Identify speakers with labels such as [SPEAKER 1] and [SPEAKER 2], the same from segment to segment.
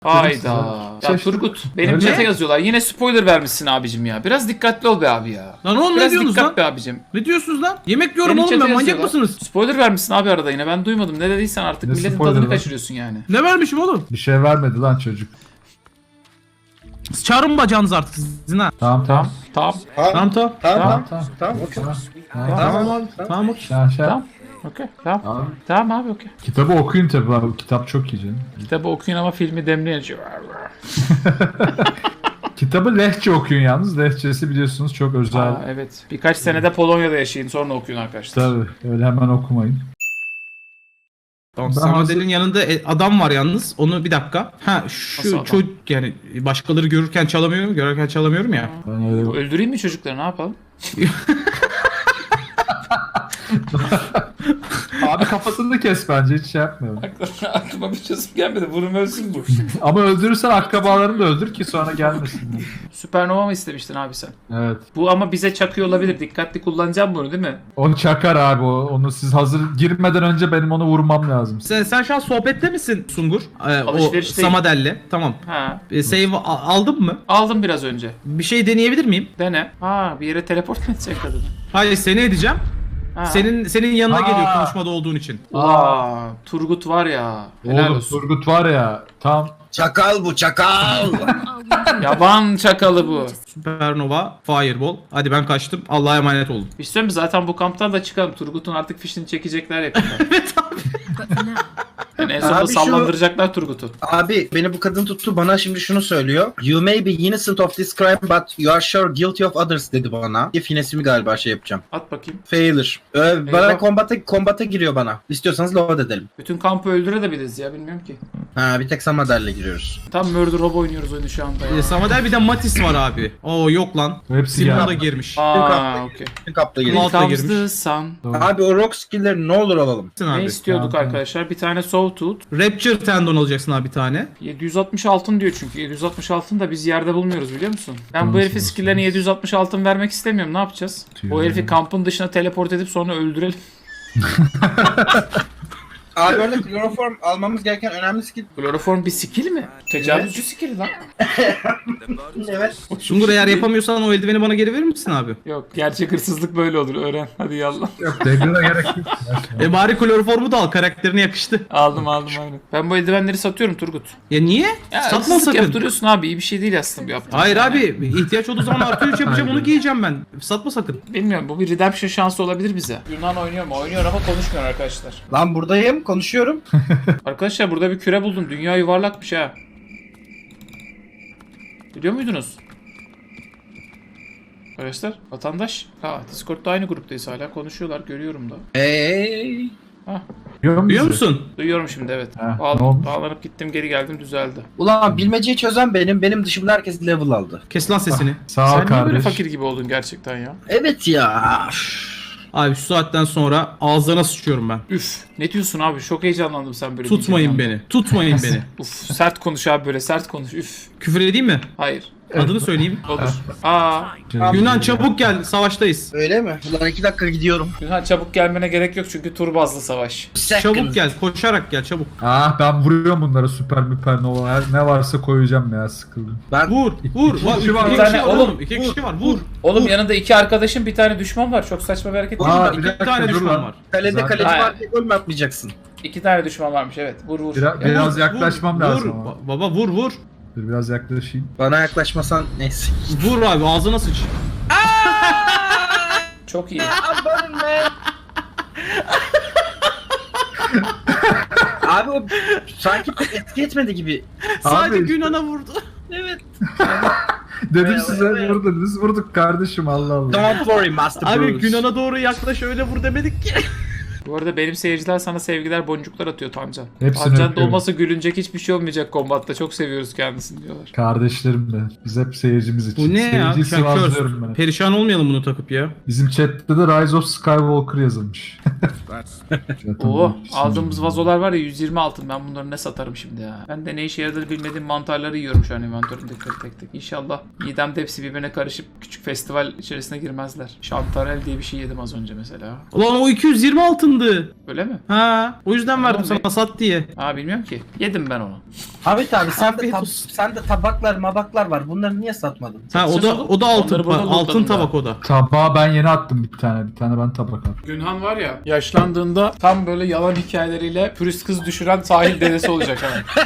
[SPEAKER 1] Hayda. Ya Turgut benim chat'e yazıyorlar. Yine spoiler vermişsin abicim ya. Biraz dikkatli ol be abi ya.
[SPEAKER 2] Lan oğlum ne
[SPEAKER 1] Biraz
[SPEAKER 2] diyorsunuz
[SPEAKER 1] dikkat
[SPEAKER 2] lan?
[SPEAKER 1] be abicim.
[SPEAKER 2] Ne diyorsunuz lan? Yemek yiyorum
[SPEAKER 1] Benim
[SPEAKER 2] oğlum
[SPEAKER 1] chat'e
[SPEAKER 2] ben, manyak
[SPEAKER 1] yazıyorlar.
[SPEAKER 2] mısınız?
[SPEAKER 1] Spoiler vermişsin abi arada yine. Ben duymadım. Ne dediysen artık
[SPEAKER 3] Ne
[SPEAKER 1] milletin
[SPEAKER 3] spoiler
[SPEAKER 1] tadını
[SPEAKER 3] lan?
[SPEAKER 1] kaçırıyorsun yani.
[SPEAKER 2] Ne vermişim oğlum?
[SPEAKER 3] Bir şey vermedi lan çocuk.
[SPEAKER 2] Çağırın bacağınızı artık sizin ha.
[SPEAKER 3] Tamam.
[SPEAKER 1] Tamam.
[SPEAKER 2] Tamam tamam.
[SPEAKER 3] Tamam.
[SPEAKER 2] Okey.
[SPEAKER 3] Tamam.
[SPEAKER 2] Tamam abi. Tamam okey.
[SPEAKER 1] Tamam. Okey. Tamam.
[SPEAKER 3] Tamam.
[SPEAKER 1] Tamam abi okey.
[SPEAKER 3] Kitabı okuyun tabi abi. Kitap çok iyi canım.
[SPEAKER 1] Kitabı okuyun ama filmi demleyin.
[SPEAKER 3] Kitabı lehçe okuyun yalnız. Lehçesi biliyorsunuz çok özel.
[SPEAKER 1] Aa, evet. Birkaç senede Polonya'da yaşayın sonra okuyun arkadaşlar.
[SPEAKER 3] Tabii. Öyle hemen okumayın.
[SPEAKER 2] Tamam.
[SPEAKER 3] Ben
[SPEAKER 2] Samuel'in yanında adam var yalnız. Onu bir dakika. Ha
[SPEAKER 1] Nasıl
[SPEAKER 2] şu
[SPEAKER 1] adam?
[SPEAKER 2] çocuk yani başkaları görürken çalamıyorum, görürken çalamıyorum ya.
[SPEAKER 3] Ben öyle...
[SPEAKER 1] Öldüreyim mi çocukları ne yapalım?
[SPEAKER 3] Abi kafasını da kes bence. Hiç şey yapmıyorum.
[SPEAKER 1] Aklıma bir çözüm gelmedi. Vurun ölsün bu.
[SPEAKER 3] Ama öldürürsen akrabalarını da öldür ki sonra gelmesin.
[SPEAKER 1] Süpernova mı istemiştin abi sen?
[SPEAKER 3] Evet.
[SPEAKER 1] Bu ama bize çakıyor olabilir. Dikkatli kullanacağım bunu değil mi?
[SPEAKER 3] Onu çakar abi o. Onu siz hazır girmeden önce benim onu vurmam lazım.
[SPEAKER 2] Sen şu an sohbette misin Sungur? O
[SPEAKER 1] Alışverişteyim.
[SPEAKER 2] Samadel'le. Tamam.
[SPEAKER 1] Ha.
[SPEAKER 2] Save aldın mı?
[SPEAKER 1] Aldım biraz önce.
[SPEAKER 2] Bir şey deneyebilir miyim?
[SPEAKER 1] Dene. Ha bir yere teleport mu edecek kadını?
[SPEAKER 2] Hayır seni edeceğim.
[SPEAKER 1] Ha.
[SPEAKER 2] Senin yanına
[SPEAKER 3] Aa.
[SPEAKER 2] geliyor konuşmada olduğun için.
[SPEAKER 1] Aa, Turgut var ya. Helal
[SPEAKER 3] Oğlum
[SPEAKER 1] olsun.
[SPEAKER 3] Turgut var ya tam
[SPEAKER 4] Çakal bu çakal.
[SPEAKER 1] Yaban çakalı bu.
[SPEAKER 2] Supernova, Fireball. Hadi ben kaçtım. Allah'a emanet olun.
[SPEAKER 1] Bir şey söyleyeyim mi? Zaten bu kamptan da çıkalım. Turgut'un artık fişini çekecekler yakında.
[SPEAKER 2] Evet abi.
[SPEAKER 1] Yani en sonunda
[SPEAKER 4] Abi şu-
[SPEAKER 1] sallandıracaklar Turgut'u.
[SPEAKER 4] Abi beni bu kadın tuttu bana şimdi şunu söylüyor. You may be innocent of this crime but you are sure guilty of others dedi bana. Finesimi galiba şey yapacağım.
[SPEAKER 1] At bakayım.
[SPEAKER 4] Failure. Bana
[SPEAKER 1] Eyvah.
[SPEAKER 4] kombata giriyor bana. İstiyorsanız load edelim.
[SPEAKER 1] Bütün kampı öldürebiliriz ya bilmiyorum ki.
[SPEAKER 4] Ha bir tek Samadel'le giriyoruz.
[SPEAKER 1] Tam Murder Hobo oynuyoruz oyunu şu anda ya.
[SPEAKER 2] Samadel bir de Matis var abi. Oo yok lan.
[SPEAKER 3] hepsi
[SPEAKER 2] Simon da
[SPEAKER 3] geldi.
[SPEAKER 2] girmiş.
[SPEAKER 1] Aa okey.
[SPEAKER 4] Kapta
[SPEAKER 2] Cloud
[SPEAKER 4] giriyor.
[SPEAKER 2] da
[SPEAKER 1] Comes
[SPEAKER 2] girmiş.
[SPEAKER 1] the sun.
[SPEAKER 4] Abi o rock skill'leri ne olur alalım.
[SPEAKER 2] Abi.
[SPEAKER 1] Ne istiyorduk
[SPEAKER 3] Tamam.
[SPEAKER 1] arkadaşlar? Bir tane Sawtooth.
[SPEAKER 2] Rapture tendon alacaksın abi bir tane.
[SPEAKER 1] 760 altın diyor çünkü. 760 altın da biz yerde bulmuyoruz biliyor musun? Ben bu
[SPEAKER 3] Nasıl
[SPEAKER 1] herifin
[SPEAKER 3] olsun?
[SPEAKER 1] skill'lerine 760 altın vermek istemiyorum. Ne yapacağız?
[SPEAKER 3] Tüh.
[SPEAKER 1] O herifi kampın dışına teleport edip sonra öldürelim.
[SPEAKER 4] Abi orada kloroform almamız gereken önemli skill.
[SPEAKER 1] Kloroform bir skill mi? Tecavüzcü skill lan.
[SPEAKER 4] Evet.
[SPEAKER 2] Sungur eğer yapamıyorsan o eldiveni bana geri verir misin abi?
[SPEAKER 1] Yok gerçek hırsızlık böyle olur. Öğren. Hadi yallah.
[SPEAKER 3] Yok Dagger'a gerek yok.
[SPEAKER 2] Bari kloroformu da al, karakterine yakıştı.
[SPEAKER 1] Aldım aynen. Ben bu eldivenleri satıyorum Turgut.
[SPEAKER 2] Ya niye?
[SPEAKER 1] Ya
[SPEAKER 2] Satma
[SPEAKER 1] hırsızlık
[SPEAKER 2] sakın.
[SPEAKER 1] yaptırıyorsun abi. İyi bir şey değil aslında bu yaptığın.
[SPEAKER 2] Hayır
[SPEAKER 1] şey
[SPEAKER 2] abi, ihtiyaç olduğu zaman artı 3 yapacağım, onu giyeceğim ben. Satma sakın.
[SPEAKER 1] Bilmiyorum bu bir redemption şansı olabilir bize. Yunan oynuyor mu? Oynuyor ama konuşmuyor arkadaşlar.
[SPEAKER 4] Lan buradayım konuşuyorum.
[SPEAKER 1] Arkadaşlar burada bir küre buldum. Dünya yuvarlakmış ha. Biliyor muydunuz? Arkadaşlar vatandaş. Ha Discord'da aynı gruptayız hala konuşuyorlar görüyorum da.
[SPEAKER 4] Hey.
[SPEAKER 1] Ha
[SPEAKER 2] Biliyor musun?
[SPEAKER 1] duyuyorum şimdi evet.
[SPEAKER 3] Ha, ne
[SPEAKER 1] Bağlan-
[SPEAKER 3] olmuş?
[SPEAKER 1] bağlanıp gittim geri geldim düzeldi.
[SPEAKER 4] Ulan bilmeceyi çözen benim dışımda herkes level aldı.
[SPEAKER 2] Kes lan sesini.
[SPEAKER 3] Sağ ol
[SPEAKER 1] Sen niye böyle
[SPEAKER 3] kardeş.
[SPEAKER 1] fakir gibi oldun gerçekten ya?
[SPEAKER 4] Evet ya.
[SPEAKER 2] Abi şu saatten sonra ağzına sıçıyorum ben.
[SPEAKER 1] Üf ne diyorsun abi çok heyecanlandım sen böyle
[SPEAKER 2] Tutmayın
[SPEAKER 1] diyeceğin
[SPEAKER 2] beni. Tutmayın beni.
[SPEAKER 1] anda. Uf sert konuş abi böyle sert konuş üf.
[SPEAKER 2] Küfür edeyim mi?
[SPEAKER 1] Hayır
[SPEAKER 2] Adını söyleyeyim.
[SPEAKER 1] olur. Aa
[SPEAKER 2] Yunan çabuk gel, savaştayız.
[SPEAKER 4] Öyle mi? Ulan 2 dakika gidiyorum.
[SPEAKER 1] Yunan çabuk gelmene gerek yok çünkü tur bazlı savaş.
[SPEAKER 2] Çabuk gel, koşarak gel çabuk.
[SPEAKER 3] Ah ben vuruyorum bunlara süper nova. Ne varsa koyacağım ya sıkıldım.
[SPEAKER 4] Ben
[SPEAKER 2] Vur, vur.
[SPEAKER 3] İki
[SPEAKER 2] Var,
[SPEAKER 3] kişi var.
[SPEAKER 2] iki
[SPEAKER 1] Bir tane-
[SPEAKER 2] kişi var
[SPEAKER 1] oğlum,
[SPEAKER 2] oğlum. İki kişi var, vur.
[SPEAKER 1] Oğlum yanında iki arkadaşın bir tane düşman var. Çok saçma bir hareket değil mi?
[SPEAKER 3] Aa,
[SPEAKER 2] İki
[SPEAKER 3] bir dakika,
[SPEAKER 2] tane
[SPEAKER 3] dur
[SPEAKER 2] düşman
[SPEAKER 3] lan.
[SPEAKER 2] var.
[SPEAKER 4] kalede
[SPEAKER 3] Zaten-
[SPEAKER 4] kaleci
[SPEAKER 1] Hayır.
[SPEAKER 4] var diye gol mü atmayacaksın?
[SPEAKER 1] İki tane düşman varmış evet. Vur vur.
[SPEAKER 3] Biraz
[SPEAKER 2] Vur,
[SPEAKER 3] yaklaşmam
[SPEAKER 2] vur,
[SPEAKER 3] lazım
[SPEAKER 2] Vur,
[SPEAKER 3] ama.
[SPEAKER 2] baba vur vur.
[SPEAKER 3] Dur biraz yaklaşayım.
[SPEAKER 4] Bana yaklaşmasan neyse.
[SPEAKER 2] Vur abi, ağzına sıç.
[SPEAKER 1] Çok iyi.
[SPEAKER 4] Abi o sanki pek etki etmedi gibi.
[SPEAKER 2] Sadece
[SPEAKER 3] işte-
[SPEAKER 2] Yunan'a vurdu.
[SPEAKER 4] Evet.
[SPEAKER 3] Dedim
[SPEAKER 4] Evet,
[SPEAKER 3] size
[SPEAKER 4] evet.
[SPEAKER 3] vurdunuz. Vurduk kardeşim Allah Allah.
[SPEAKER 4] Don't worry Master
[SPEAKER 2] Abi
[SPEAKER 4] Bruce.
[SPEAKER 2] Yunan'a doğru yaklaş, öyle vur demedik ki.
[SPEAKER 1] Bu arada benim seyirciler sana sevgiler boncuklar atıyor Tancan.
[SPEAKER 3] Hepsini
[SPEAKER 1] Tancan da
[SPEAKER 3] öpüyorum.
[SPEAKER 1] olmasa gülünecek hiçbir şey olmayacak kombatta. Çok seviyoruz kendisini diyorlar.
[SPEAKER 3] Kardeşlerim de. Biz hep seyircimiz için.
[SPEAKER 2] Bu ne ya?
[SPEAKER 3] Seyirciyi sıvazlıyorum ben.
[SPEAKER 2] Perişan olmayalım bunu takıp ya.
[SPEAKER 3] Bizim chatte de Rise of Skywalker yazılmış.
[SPEAKER 1] Oo, aldığımız vazolar var ya 120 altın. Ben bunları ne satarım şimdi ya. Ben de ne işe yaradığını bilmediğim mantarları yiyorum şu an inventörümde tek tek. İnşallah midemde hepsi birbirine karışıp küçük festival içerisine girmezler. Şantarel diye bir şey yedim az önce mesela.
[SPEAKER 2] Ulan o 220 altındı.
[SPEAKER 1] Öyle mi?
[SPEAKER 2] Ha, o yüzden verdim
[SPEAKER 1] Tamam,
[SPEAKER 2] sana sat diye.
[SPEAKER 1] Aa bilmiyorum ki. Yedim ben onu.
[SPEAKER 4] Ahmet abi
[SPEAKER 2] Afiyet olsun.
[SPEAKER 4] sende tabaklar mabaklar var. Bunları niye satmadın?
[SPEAKER 2] Ha o da altın
[SPEAKER 1] Onları burada
[SPEAKER 2] altın
[SPEAKER 1] lootladım
[SPEAKER 2] tabak
[SPEAKER 1] da.
[SPEAKER 2] o da.
[SPEAKER 3] Tabağı ben yeni attım bir tane. Bir tane ben tabak attım.
[SPEAKER 1] Günhan var ya yaşlandığında tam böyle yalan hikayeleriyle turist kız düşüren sahil dedesi olacak ha.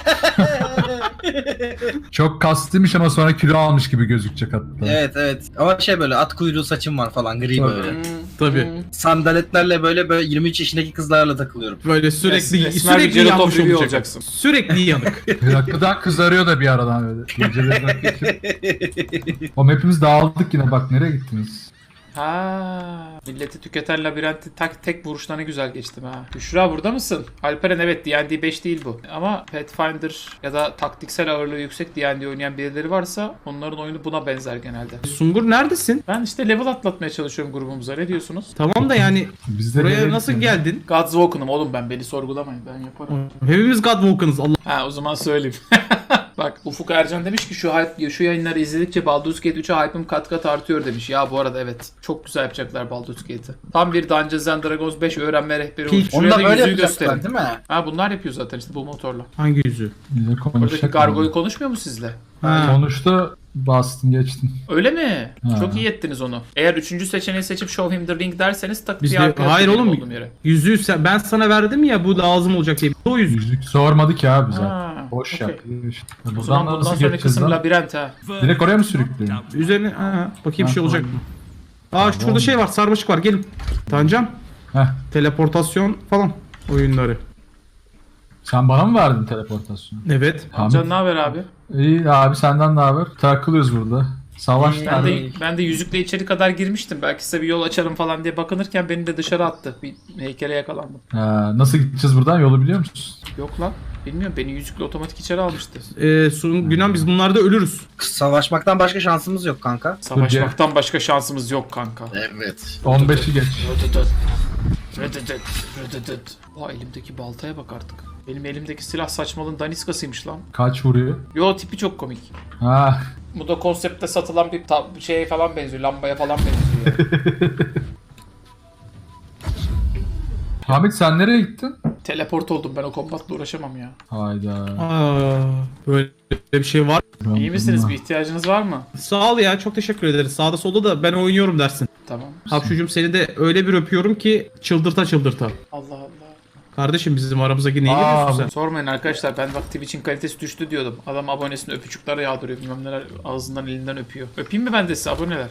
[SPEAKER 3] Çok kaslıymış ama sonra kilo almış gibi gözükecek hatta.
[SPEAKER 4] Evet. Ama şey böyle at kuyruğu saçım var falan gri
[SPEAKER 3] Tabii.
[SPEAKER 4] böyle.
[SPEAKER 2] Tabii.
[SPEAKER 4] Sandaletlerle böyle 23 yaşındaki kızlarla takılıyorum.
[SPEAKER 2] Böyle sürekli
[SPEAKER 1] Esmer bir
[SPEAKER 2] sürekli
[SPEAKER 1] Geralt
[SPEAKER 2] yanmış
[SPEAKER 1] of Rivia
[SPEAKER 2] olacak.
[SPEAKER 1] olacaksın.
[SPEAKER 2] Sürekli yanık.
[SPEAKER 3] Hakikaten kızarıyor da bir aradan öyle. Geceleri geçip. O hepimiz dağıldık yine, bak nereye gittiniz?
[SPEAKER 1] Ha, milleti tüketen labirenti tek vuruşta ne güzel geçtim ha. Büşra burada mısın? Alperen evet D&D 5 değil bu. Ama Pathfinder ya da taktiksel ağırlığı yüksek D&D oynayan birileri varsa onların oyunu buna benzer genelde.
[SPEAKER 2] Sungur neredesin?
[SPEAKER 1] Ben işte level atlatmaya çalışıyorum grubumuza. Ne diyorsunuz?
[SPEAKER 2] Tamam da yani
[SPEAKER 3] Biz de
[SPEAKER 2] buraya
[SPEAKER 3] nereye
[SPEAKER 2] nasıl
[SPEAKER 3] gittiniz?
[SPEAKER 2] geldin?
[SPEAKER 1] Godswoken'ım oğlum ben. Beni sorgulamayın. Ben yaparım.
[SPEAKER 2] Hepimiz Godwalker'ız Allah.
[SPEAKER 1] Ha o zaman söyleyeyim. Bak Ufuk Ercan demiş ki şu yayınları izledikçe Baldur's Gate 3'e hype'ım kat kat artıyor demiş. Ya bu arada evet. Çok güzel yapacaklar Baldur's Gate'i. Tam bir Dungeons and Dragons 5 öğrenme rehberi olmuş.
[SPEAKER 4] Onu
[SPEAKER 1] Şuraya
[SPEAKER 4] da
[SPEAKER 1] da
[SPEAKER 4] böyle
[SPEAKER 1] yüzüğü
[SPEAKER 4] yapacaklar
[SPEAKER 1] gösterin.
[SPEAKER 4] değil mi?
[SPEAKER 1] Ha bunlar yapıyor zaten işte bu motorla.
[SPEAKER 2] Hangi yüzü?
[SPEAKER 3] Bize
[SPEAKER 1] Oradaki
[SPEAKER 3] konuşacak.
[SPEAKER 1] Gargoyle konuşmuyor mu sizle?
[SPEAKER 2] Ha.
[SPEAKER 3] Konuştu, bastın geçtin.
[SPEAKER 1] Öyle mi?
[SPEAKER 3] Ha.
[SPEAKER 1] Çok iyi ettiniz onu. Eğer üçüncü seçeneği seçip Show Him the Ring derseniz tak
[SPEAKER 2] Biz
[SPEAKER 1] diye
[SPEAKER 2] de,
[SPEAKER 1] arkaya
[SPEAKER 2] hayır
[SPEAKER 1] atlayayım
[SPEAKER 2] oğlum
[SPEAKER 1] olduğum yere.
[SPEAKER 2] yüzüğü ben sana verdim ya bu lazım olacak diye. O yüzük.
[SPEAKER 3] Yüzük sormadı ki abi zaten.
[SPEAKER 1] Ha,
[SPEAKER 3] Boş
[SPEAKER 1] okey.
[SPEAKER 3] yaptı. İşte.
[SPEAKER 1] O zaman bundan sonraki kısım labirent ha.
[SPEAKER 3] Direkt oraya mı sürükleyeyim?
[SPEAKER 2] Üzerine bakayım bir şey
[SPEAKER 3] Ha,
[SPEAKER 2] olacak mı?
[SPEAKER 3] tamam.
[SPEAKER 2] Şurada şey var sarmaşık var gelin. Tancan
[SPEAKER 3] Heh.
[SPEAKER 2] teleportasyon falan oyunları.
[SPEAKER 3] Sen bana mı verdin teleportasyonu?
[SPEAKER 2] Evet.
[SPEAKER 1] Can ne haber abi?
[SPEAKER 3] İyi abi, senden ne haber? Takılıyoruz burada. Savaş
[SPEAKER 1] Ben
[SPEAKER 3] nerede?
[SPEAKER 1] de yüzükle içeri kadar girmiştim. Belki size bir yol açarım falan diye bakınırken beni de dışarı attı. Bir heykele yakalandım.
[SPEAKER 3] Nasıl gideceğiz buradan? Yolu biliyor musun?
[SPEAKER 1] Yok lan. Bilmiyorum beni yüzükle otomatik içeri almıştı.
[SPEAKER 2] Günan biz bunlarda ölürüz.
[SPEAKER 4] Savaşmaktan başka şansımız yok kanka.
[SPEAKER 1] Savaşmaktan başka şansımız yok kanka.
[SPEAKER 4] Evet.
[SPEAKER 3] 15'i geç.
[SPEAKER 1] Aa elimdeki baltaya bak artık. Benim elimdeki silah saçmalığın daniskasıymış lan.
[SPEAKER 3] Kaç vuruyor?
[SPEAKER 1] Yo tipi çok komik.
[SPEAKER 3] Ha.
[SPEAKER 1] Bu da konseptte satılan bir şeye falan benziyor. Lambaya falan benziyor.
[SPEAKER 3] Hamit sen nereye gittin?
[SPEAKER 1] Teleport oldum ben o kombatla uğraşamam ya.
[SPEAKER 3] Hayda.
[SPEAKER 2] Böyle bir şey var.
[SPEAKER 1] İyi misiniz? Bir ihtiyacınız var mı?
[SPEAKER 2] Sağ ol ya çok teşekkür ederiz. Sağda solda da ben oynuyorum dersin.
[SPEAKER 1] Tamam.
[SPEAKER 2] Hapşucum seni de öyle bir öpüyorum ki çıldırta.
[SPEAKER 1] Allah Allah.
[SPEAKER 2] Kardeşim bizim aramıza niye giriyorsun sen?
[SPEAKER 1] Sormayın arkadaşlar ben bak Twitch'in kalitesi düştü diyordum. Adam abonesine öpücükler yağdırıyor bilmem neler ağzından elinden öpüyor. Öpeyim mi ben de size aboneler?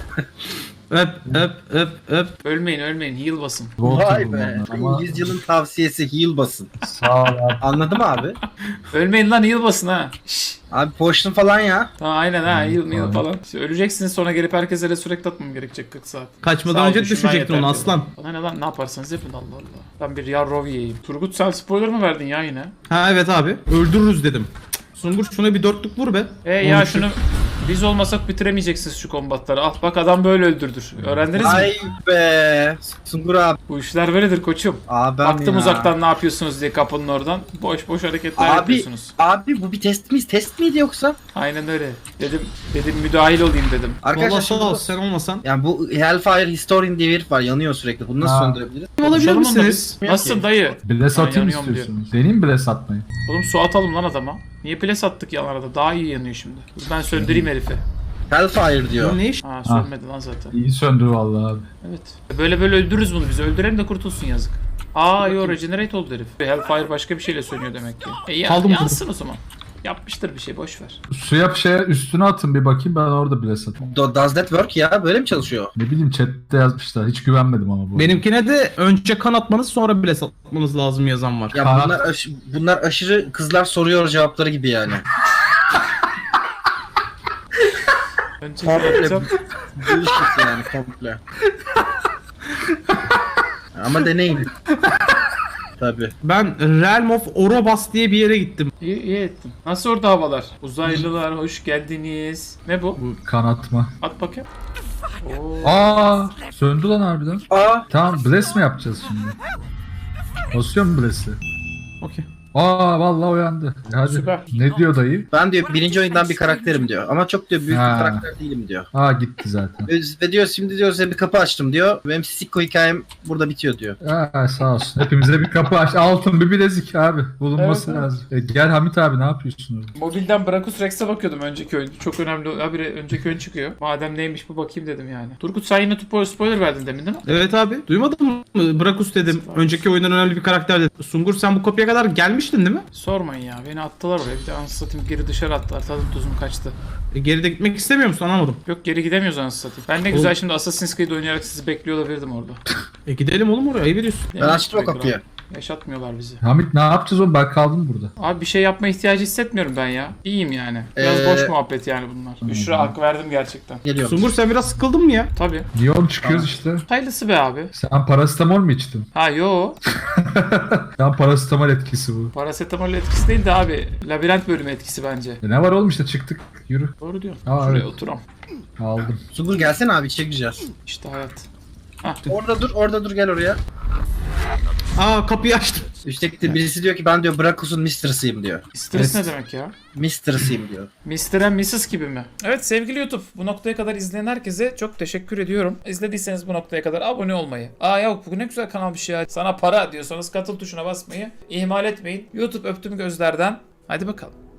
[SPEAKER 2] Öp.
[SPEAKER 1] Ölmeyin heal basın.
[SPEAKER 4] Vay be.
[SPEAKER 3] Ama
[SPEAKER 4] 100 yılın tavsiyesi heal basın.
[SPEAKER 3] sağ ol abi.
[SPEAKER 4] Anladın mı abi?
[SPEAKER 1] Ölmeyin lan heal basın ha. Şşş.
[SPEAKER 4] Abi potion falan ya.
[SPEAKER 1] Tamam aynen ha heal
[SPEAKER 3] Tamam.
[SPEAKER 1] falan. İşte öleceksiniz sonra gelip herkese resurrect atmam gerekecek 40 saat.
[SPEAKER 2] Kaçmadan
[SPEAKER 1] Sağ ol,
[SPEAKER 2] önce
[SPEAKER 1] düşünmen
[SPEAKER 2] düşecektin
[SPEAKER 1] yeter
[SPEAKER 2] onu
[SPEAKER 1] diyorum.
[SPEAKER 2] aslan.
[SPEAKER 1] Bana ne lan ne yaparsanız yapın Allah Allah. Ben bir yarrov yiyeyim. Turgut sen spoiler mı verdin ya yine?
[SPEAKER 2] Ha evet abi. Öldürürüz dedim. Sungur şuna bir dörtlük vur be.
[SPEAKER 1] Ya
[SPEAKER 2] Onu
[SPEAKER 1] şunu biz olmasak bitiremeyeceksiniz şu kombatları. Al bak adam böyle öldürdür. Öğrendiniz mi?
[SPEAKER 4] Ay be. Sungur abi.
[SPEAKER 1] Bu işler böyledir koçum.
[SPEAKER 4] Abim
[SPEAKER 1] Baktım
[SPEAKER 4] ya.
[SPEAKER 1] uzaktan ne yapıyorsunuz diye kapının oradan. Boş boş hareketler
[SPEAKER 4] Abi,
[SPEAKER 1] yapıyorsunuz.
[SPEAKER 4] abi bu bir test miyiz? Test miydi yoksa?
[SPEAKER 1] Aynen öyle. Dedim müdahil olayım dedim.
[SPEAKER 4] Arkadaşlar
[SPEAKER 2] Vallahi sağ
[SPEAKER 4] şimdi
[SPEAKER 2] ol
[SPEAKER 4] bu-
[SPEAKER 2] sen olmasan.
[SPEAKER 4] yani bu Hellfire Historian diye bir herif var. Yanıyor sürekli. Bunu nasıl
[SPEAKER 3] Ha.
[SPEAKER 4] söndürebiliriz?
[SPEAKER 2] Olabilir
[SPEAKER 1] Konuşalım onunla
[SPEAKER 2] misiniz?
[SPEAKER 1] biz. Nasılsın dayı?
[SPEAKER 3] Bless
[SPEAKER 1] Ben
[SPEAKER 3] atayım
[SPEAKER 1] yanıyorum
[SPEAKER 3] istiyorsunuz. Deneyim mi bless atmayı?
[SPEAKER 1] Oğlum su atalım lan adama. Niye ples attık yan arada? Daha iyi yanıyor şimdi. Dur ben söndüreyim herifi.
[SPEAKER 4] Hellfire diyor.
[SPEAKER 2] Bu ne iş?
[SPEAKER 1] Ha sönmedi lan zaten.
[SPEAKER 3] İyi söndür vallahi abi.
[SPEAKER 1] Evet. Böyle öldürürüz bunu biz. Öldürelim de kurtulsun yazık. Yo regenerate oldu herif. Hellfire başka bir şeyle sönüyor demek ki.
[SPEAKER 2] Kaldı mı
[SPEAKER 1] Yansın o zaman. Yapmıştır bir şey boş ver.
[SPEAKER 3] Suya bir şeye üstüne atın bir bakayım, ben orada bless atayım.
[SPEAKER 4] Does that work ya? Böyle mi çalışıyor?
[SPEAKER 3] Ne bileyim chatte yazmışlar. Hiç güvenmedim ama bu.
[SPEAKER 2] Benimkine de önce kan atmanız sonra bile satmanız lazım yazan var.
[SPEAKER 4] Ya
[SPEAKER 3] Kanat-
[SPEAKER 4] bunlar aşırı kızlar soruyor cevapları gibi yani.
[SPEAKER 1] Önce
[SPEAKER 4] Komple
[SPEAKER 1] yapacağım.
[SPEAKER 4] bullshit yani komple. Ama deneyin. Tabii.
[SPEAKER 2] Ben Realm of Orobas diye bir yere gittim.
[SPEAKER 1] İyi ettin. Nasıl orada havalar? Uzaylılar hoş geldiniz. Ne bu?
[SPEAKER 3] Bu kanatma.
[SPEAKER 1] At bakayım.
[SPEAKER 3] Aa, söndü lan harbiden.
[SPEAKER 4] Aa,
[SPEAKER 3] Tamam, bless mi yapacağız şimdi? Basıyor mu bless'i?
[SPEAKER 2] Okey.
[SPEAKER 3] Aa, vallahi uyandı. Hadi.
[SPEAKER 1] Süper.
[SPEAKER 3] Ne diyor dayı?
[SPEAKER 4] ben diyor birinci oyundan bir karakterim diyor. Ama çok diyor büyük
[SPEAKER 3] Ha.
[SPEAKER 4] bir karakter değilim diyor.
[SPEAKER 3] Aa, gitti zaten.
[SPEAKER 4] Ve diyor şimdi diyor size bir kapı açtım diyor. Benim Sikko hikayem burada bitiyor diyor.
[SPEAKER 3] Aa, sağ olsun. Hepimize bir kapı aç. Altın bir bilezik abi. Bulunması
[SPEAKER 1] Evet, evet.
[SPEAKER 3] lazım. Gel Hamit abi, ne yapıyorsun orada?
[SPEAKER 1] Mobilden Brachus Rex'e bakıyordum önceki oyun. Çok önemli. Habire önceki oyun çıkıyor. Madem neymiş bu bakayım dedim yani. Turgut sen yine spoiler verdin demin değil mi?
[SPEAKER 2] Evet abi. Duymadın mı? Brakus dedim. Önceki oyundan önemli bir karakter dedim. Sungur sen bu kapıya kadar gelmiştin değil mi?
[SPEAKER 1] Sormayın ya. Beni attılar oraya. Bir de anasını satayım geri dışarı attılar. Tadım tuzum kaçtı.
[SPEAKER 2] Geride gitmek istemiyor musun? Anlamadım.
[SPEAKER 1] Yok geri gidemiyoruz anasını satayım. Ben ne güzel şimdi Assassin's Creed oynayarak sizi bekliyor olabilirdim orada.
[SPEAKER 2] Gidelim oğlum oraya. Ayıp ediyorsun.
[SPEAKER 4] Ben açtım o kapıyı.
[SPEAKER 1] Yaşatmıyorlar bizi.
[SPEAKER 3] Hamit ne yapacağız oğlum? Ben kaldım burada.
[SPEAKER 1] Abi bir şey yapma ihtiyacı hissetmiyorum ben ya. İyiyim yani. Biraz boş muhabbet yani bunlar. Büşra hak verdim gerçekten.
[SPEAKER 4] Geliyorum.
[SPEAKER 2] Sungur sen biraz sıkıldın mı ya?
[SPEAKER 1] Tabii.
[SPEAKER 3] Niye oğlum, çıkıyoruz işte.
[SPEAKER 1] Hayırlısı be abi.
[SPEAKER 3] Sen parasetamol mu içtin?
[SPEAKER 1] Ha yo.
[SPEAKER 3] Sen parasetamol etkisi bu.
[SPEAKER 1] Parasetamol etkisi değil de abi. Labirent bölümü etkisi bence.
[SPEAKER 3] Ne var oğlum, işte çıktık. Yürü.
[SPEAKER 1] Doğru diyorsun.
[SPEAKER 3] Aa,
[SPEAKER 1] Şuraya
[SPEAKER 3] evet.
[SPEAKER 1] oturam.
[SPEAKER 3] Aldım.
[SPEAKER 4] Sungur gelsene abi içeri gireceğiz.
[SPEAKER 1] İşte hayat.
[SPEAKER 4] Orada dur gel oraya.
[SPEAKER 2] Aa kapıyı açtım.
[SPEAKER 4] Üstteki birisi diyor ki ben diyor Brachus'un mistress'ıyım diyor.
[SPEAKER 1] Stres
[SPEAKER 3] Evet.
[SPEAKER 1] ne demek ya?
[SPEAKER 4] Mistress'ıyım diyor.
[SPEAKER 1] Mr. and Mrs. gibi mi? Evet sevgili YouTube bu noktaya kadar izleyen herkese çok teşekkür ediyorum. İzlediyseniz bu noktaya kadar abone olmayı. Aa yok bu ne güzel kanalmış ya. Sana para diyorsanız katıl tuşuna basmayı ihmal etmeyin. YouTube öptüm gözlerden. Hadi bakalım.